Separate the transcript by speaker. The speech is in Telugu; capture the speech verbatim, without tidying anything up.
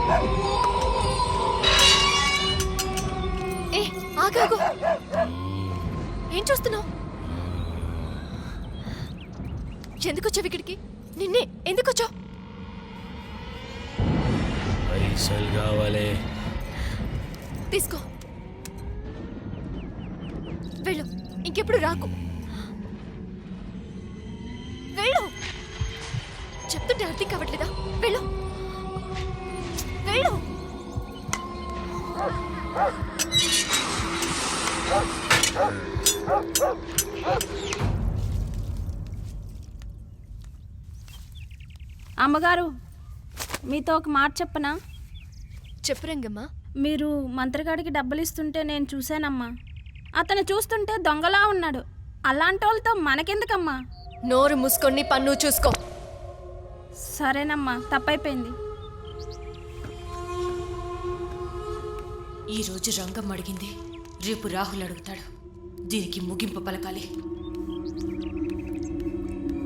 Speaker 1: ఏ ఆగాగు, ఏం చూస్తున్నావు? ఎందుకు వచ్చావు ఇక్కడికి? నిన్నే ఎందుకు వచ్చావు?
Speaker 2: పైసలు కావాలి.
Speaker 1: తీసుకో, వెళ్ళు, ఇంకెప్పుడు రాకు. వెళ్ళు, చెప్తుంటే అర్థం కావట్లేదా? వెళ్ళు వెళ్ళు.
Speaker 3: అమ్మగారు, మీతో ఒక మాట చెప్పనా?
Speaker 1: చెప్పు రంగమ్మా.
Speaker 3: మీరు మంత్రగాడికి డబ్బులు ఇస్తుంటే నేను చూశానమ్మా. అతను చూస్తుంటే దొంగలా ఉన్నాడు. అలాంటి వాళ్ళతో మనకెందుకమ్మా?
Speaker 1: నోరు మూసుకొని పన్ను చూసుకో.
Speaker 3: సరేనమ్మా, తప్పైపోయింది.
Speaker 4: ఈరోజు రంగం అడిగింది, రేపు రాహుల్ అడుగుతాడు. దీనికి ముగింపు పలకాలి.